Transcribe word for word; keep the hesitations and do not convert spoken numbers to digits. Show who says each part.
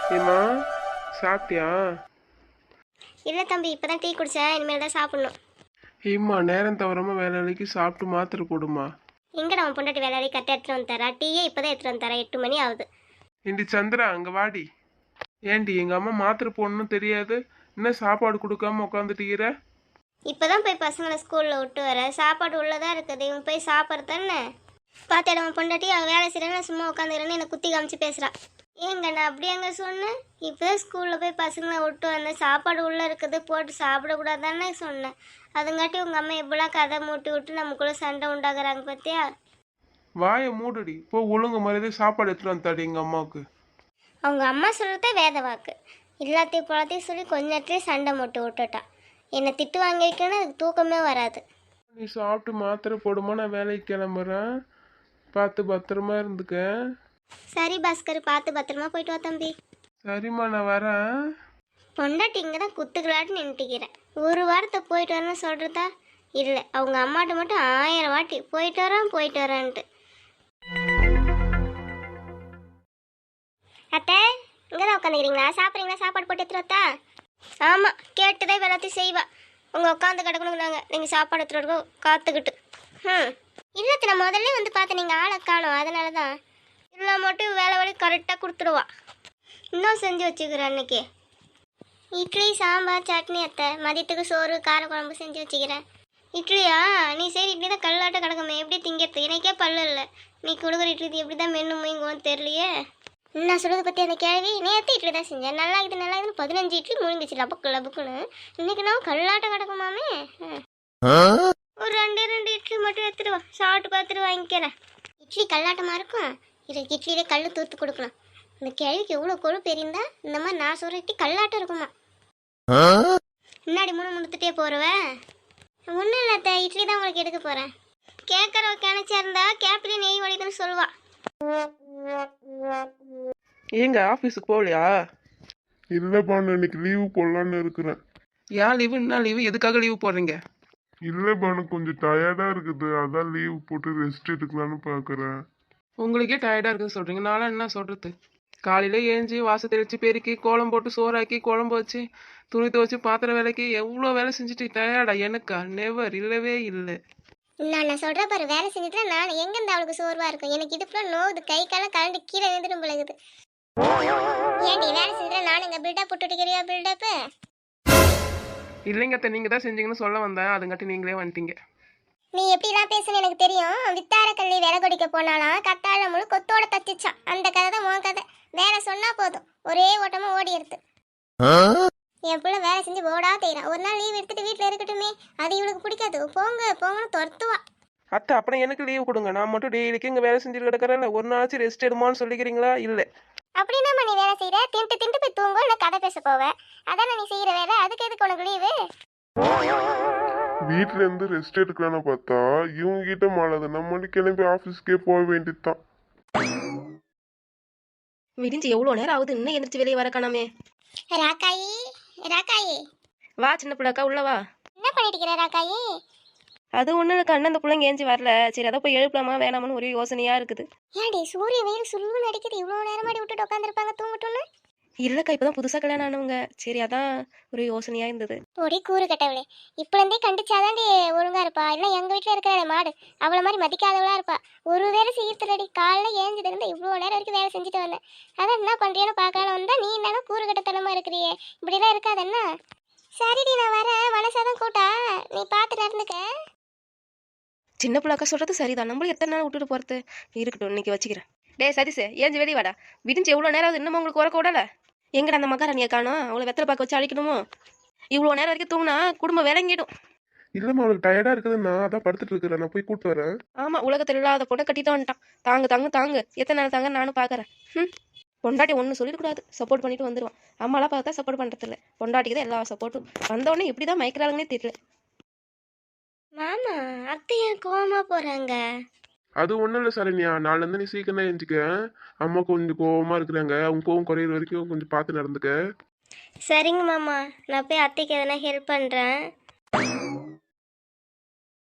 Speaker 1: ஏம்மா சாப்பிட்டியா?
Speaker 2: இல்லை தம்பி, இப்போ தான் டீ குடித்தேன், இனிமேல் தான் சாப்பிட்ணும்.
Speaker 1: ஏம்மா நேரம் தவறாம வேலைக்கு சாப்பிட்டு மாத்திரை போடுமா.
Speaker 2: எங்கடா அவன் பொண்டாட்டி வேலையை கரெக்டாக எடுத்துகிட்டு வந்து தரா? டீயே இப்போ தான் எடுத்துகிட்டு வந்து தரேன், எட்டு மணி ஆகுது.
Speaker 1: ஏண்டி சந்திரா அங்க வாடி. ஏண்டி எங்க அம்மா மாத்திரை போடணும்னு தெரியாது, என்ன சாப்பாடு கொடுக்காம உட்காந்துட்டீர?
Speaker 2: இப்போ தான் போய் பசங்களை ஸ்கூலில் விட்டு வர, சாப்பாடு உள்ளதாக இருக்குது, இவன் போய் சாப்பிட்றது தானே. பார்த்தாட அவன் பொண்டாட்டி அவன் வேலை செய்கிறேன்னு சும்மா உட்காந்துக்கிறேன்னு என்னை குத்தி காமிச்சு பேசுகிறான். ஏங்க நான் அப்படியே அங்கே சொன்னேன், இப்போ தான் ஸ்கூலில் போய் பசங்களை விட்டு வந்தேன், சாப்பாடு உள்ளே இருக்குது போட்டு சாப்பிடக்கூடாதானே சொன்னேன். அதுங்காட்டி உங்கள் அம்மா எப்படிலாம் கதை மூட்டி விட்டு நமக்குள்ளே சண்டை உண்டாக்குறாங்க பார்த்தியா?
Speaker 1: வாயை மூடுடி, போ ஒழுங்கு மரியாதை சாப்பாடு எடுத்துட்டு வந்தாடி எங்க அம்மாவுக்கு.
Speaker 2: அவங்க அம்மா சொல்கிறதே வேத வாக்கு, எல்லாத்தையும் பழத்தையும் சொல்லி கொஞ்ச நேரத்துலேயே சண்டை மூட்டி விட்டுட்டான். என்னை திட்டு வாங்கி வைக்கணும்னா அதுக்கு தூக்கமே வராது.
Speaker 1: நீ சாப்பிட்டு மாத்திரை போடுமா, நான் வேலைக்கு கிளம்புறேன், பார்த்து பத்திரமா இருந்துக்க.
Speaker 2: சரி பாஸ்கர், பார்த்து பத்திரமா போயிட்டு வா தம்பி.
Speaker 1: சரிம்மா நான் வரேன்.
Speaker 2: பொண்டாட்டி இங்கே தான் குத்துக்கலாட்டு நின்றுக்கிறேன். ஒரு வாரத்தை போயிட்டு வரேன்னு சொல்கிறதா? இல்லை, அவங்க அம்மாட்ட மட்டும் ஆயிரம் வாட்டி போயிட்டு வரேன் போயிட்டு வரேன்ட்டு. அத்தை இங்கே தான் உட்காந்துக்கிறீங்களா? சாப்பிட்றீங்களா? சாப்பாடு போட்டு எடுத்துருவா? ஆமாம், கேட்டுதான் எல்லாத்தையும் செய்வா. உங்கள் உட்காந்து கிடக்கணும், நாங்கள் நீங்கள் சாப்பாடு எடுத்துகிட்டு காத்துக்கிட்டு. ம் இல்லத்தை நான் முதல்ல வந்து பார்த்தேன், நீங்கள் ஆளை காணும், அதனால தான். இல்லை மட்டும் வேலை வேலை கரெக்டாக கொடுத்துடுவா. இன்னும் செஞ்சு வச்சுக்கிறேன் அன்னைக்கு இட்லி சாம்பார் சட்னி. அத்தை மதியத்துக்கு சோறு கார குழம்பு செஞ்சு வச்சுக்கிறேன். இட்லியா? நீ சரி இட்லி தான் கல்லாட்ட கிடக்குமே, எப்படி திங்கிறது? எனக்கே பல்லு இல்லை, நீ கொடுக்குற இட்லி எப்படி தான் மென்னு முயங்குவோன்னு தெரியலையே. நான் சொல்கிறத பற்றி அந்த கேள்வி, நேற்று இட்லி தான் செஞ்சேன், நல்லா இருக்குது நல்லா இருக்குன்னு பதினஞ்சு இட்லி முழுங்கிச்சு லபக்கு லபக்குன்னு. இன்னைக்கு நான் கல்லாட்டம் கிடக்குமாமே. ஒரு ரெண்டு ரெண்டு இட்லி மட்டும் எடுத்துட்டு வா, சாப்பிட்டு பார்த்துட்டு வாங்கிக்கிறேன். இட்லி கல்லாட்டமாக இருக்கும், இதுக்கு இட்லியிலே கல் தூத்து கொடுக்கலாம். இந்த கேள்விக்கு எவ்வளோ கொழுப்பு இருந்தா இந்த மாதிரி நான் சொல்கிற இட்லி கல்லாட்டம் இருக்குமா? முன்னாடி மூணு முடுத்துட்டே போறவ. ஒன்றும் இல்லை, இட்லி தான் உங்களுக்கு எடுக்க போகிறேன். கேட்குறவ கிணச்சா இருந்தா கேப்பிலே நெய் வலிதுன்னு சொல்லுவா.
Speaker 1: ஏங்க ஆஃபீஸுக்கு போகலையா?
Speaker 3: இல்லைப்பா, நான் இன்னைக்கு லீவு போடலான்னு இருக்கிறேன்.
Speaker 1: ஏன் லீவு? என்ன லீவு? எதுக்காக லீவு போடுறீங்க?
Speaker 3: இல்லைப்பா, எனக்கு கொஞ்சம் டயர்டாக இருக்குது, அதான் லீவு போட்டு ரெஸ்ட் எடுக்கலான்னு பார்க்குறேன்.
Speaker 1: உங்களுக்கே டயர்டாக இருக்குன்னு சொல்கிறீங்க, நானும் என்ன சொல்கிறது? காலையில் ஏஞ்சி வாச தெளித்து பெருக்கி கோலம் போட்டு சோறாக்கி குழம்பு வச்சு துணி துவச்சி பாத்திரம் வேலைக்கு எவ்வளோ வேலை செஞ்சுட்டு டயர்டா? எனக்கா? நெவர், இல்லவே இல்லை.
Speaker 2: நான் நான் சொல்கிற பாரு, வேலை செஞ்சுட்டு நான் எங்கேருந்து அவளுக்கு சோர்வாக இருக்கும்? எனக்கு இது ஃபுல்லாக நோவுது, கை காலம் கலண்டு கீழே எழுந்துடும் பிள்ளைகுது. ஏன்டி வேலை செஞ்சுட்டு நான் இங்கே பில்டப் போட்டுக்கிறியா? பில்டப்பு
Speaker 1: இல்லைங்க அத்தை, நீங்கள் தான் செஞ்சீங்கன்னு சொல்ல வந்தேன், அதுங்காட்டி நீங்களே வந்துட்டீங்க.
Speaker 2: நீ எப்படிலாம் பேசுன்னு எனக்கு தெரியும். வித்தார கல்வி விலை கொடிக்க போனாலாம் கத்தாழ முழு கொத்தோட தச்சிச்சான். அந்த கதை தான் உன் கதை. வேலை சொன்னா போதும், ஒரே ஓட்டமா ஓடி எடுத்து. என் பிள்ளை வேலை செஞ்சு ஓடா தேய்றான். ஒரு நாள் லீவ் எடுத்துட்டு வீட்டில் இருக்கட்டுமே, அது இவளுக்கு பிடிக்காது. போங்க போங்கன்னு துரத்துவா.
Speaker 1: அத்தை அப்புறம் எனக்கு லீவு கொடுங்க, நான் மட்டும் டெய்லிக்கு இங்கே வேலை செஞ்சுட்டு கிடக்கிறேன், ஒரு நாளாச்சும் ரெஸ்ட் எடுமான்னு சொல்லிக்கிறீங்களா? இல்லை
Speaker 2: அப்படின்னா நீ வேலை செய்யற, தின்ட்டு தின்ட்டு போய் தூங்க, இல்லை கதை பேச போவேன். அதானே நீ செய்யற வேலை, அதுக்கு எதுக்கு உனக்கு லீவு?
Speaker 3: வீட்டில் இருந்து ரெஸ்ட் எடுக்கலான்னு பார்த்தா இவங்க கிட்ட மாளாது, நம்ம கிளம்பி ஆஃபீஸ்க்கே போக வேண்டியதுதான்.
Speaker 4: விடிஞ்சு எவ்வளோ நேரம் ஆகுது, இன்னும் எந்திரிச்சு வெளியே வர காணாமே.
Speaker 2: ராக்காயி ராக்காயி
Speaker 4: வா சின்ன பிள்ளைக்கா, உள்ள வா.
Speaker 2: என்ன பண்ணிட்டு இருக்கிற ராக்காயி?
Speaker 4: அது ஒன்றும் இருக்கா, அண்ணன் அந்த பிள்ளைங்க ஏஞ்சி வரல, சரி அதை போய் எழுப்பலாமா வேணாமான்னு ஒரே யோசனையா இருக்குது.
Speaker 2: ஏன்டி சூரிய வெயில் சுல்லுன்னு அடிக்குது, இவ்வளோ நேரமாடி விட்டுட்டு உட்காந்துருப்பாங்க தூங்கட்டும்னு?
Speaker 4: இல்லைக்கா, இப்போதான் புதுசாக கல்யாணம் ஆனவங்க, சரி அதான் ஒரு யோசனையா இருந்தது.
Speaker 2: ஒடி கூறு கட்டவளே, இப்போலேருந்தே கண்டிச்சாதாண்டி ஒழுங்கா இருப்பா. இல்லை எங்கள் வீட்டில் இருக்கிற மாடு அவளை மாதிரி மதிக்காதவளா இருப்பா. ஒரு வேலை செய்யறதுலடி, காலைல ஏஞ்சது இருந்தா இவ்வளோ நேரம் வரைக்கும் வேலை செஞ்சுட்டு வந்தேன். அதான் என்ன பண்ணுறியான்னு பார்க்கலாம் வந்தா, நீ என்னன்னா கூறு கட்டத்தனமா இருக்கிறியே, இப்படிலாம் இருக்காது என்ன? சரிடி நான் வரேன், மனசாதான் கூட்டா, நீ பார்த்துட்டு இருந்துக்க.
Speaker 4: சின்ன பிள்ளைக்கா சொல்றது சரிதான், நம்மளும் எத்தனை நாள் விட்டுட்டு போறது. இருக்கட்டும், இன்னைக்கு வச்சுக்கிறேன். டே சதீஷ், ஏஞ்சி வெளியே வாடா. விடிஞ்சு எவ்வளோ நேரம் ஆகுது, இன்னமும் உங்களுக்கு உறக்க விடல? எங்கடா அந்த மகாராணியை காணோம், அவளை வெத்தலை பார்க்க வச்சு அழிக்கணுமோ? இவ்வளோ நேரம் வரைக்கும் தூங்கினா குடும்பம் விளங்கிடும்.
Speaker 1: இல்லைம்மா, அவளுக்கு டயர்டாக இருக்குதுன்னு நான் அதான் படுத்துட்டு இருக்கிறேன், நான் போய் கூப்பிட்டு வரேன்.
Speaker 4: ஆமாம், உலகத்தில் இல்லாத பொண்ணை கட்டிட்டு வந்துட்டான். தாங்கு தாங்கு தாங்கு, எத்தனை நாள் தாங்க நானும் பார்க்குறேன். ம் பொண்டாட்டி ஒன்று சொல்லிடக்கூடாது, சப்போர்ட் பண்ணிட்டு வந்துடுவான். அம்மாலாம் பார்த்தா சப்போர்ட் பண்ணுறதில்ல, பொண்டாட்டிக்கு தான் எல்லா சப்போர்ட்டும். வந்தோடனே இப்படி தான் மயக்கிறாங்கன்னே தெரியல.
Speaker 2: மாமா அத்தை ஏன் கோவமா போறாங்க?
Speaker 1: அது ஒன்றும் இல்லை சரண்யா, நாலுலேருந்து நீ சீக்கிரம் தான் எழுந்திக்க. அம்மா கொஞ்சம் கோவமாக இருக்கிறாங்க, அவங்க கோவம் குறையிற வரைக்கும் கொஞ்சம் பார்த்து நடந்துக்க.
Speaker 2: சரிங்க மாமா, நான் போய் அத்தைக்கு எதனா ஹெல்ப் பண்ணுறேன்.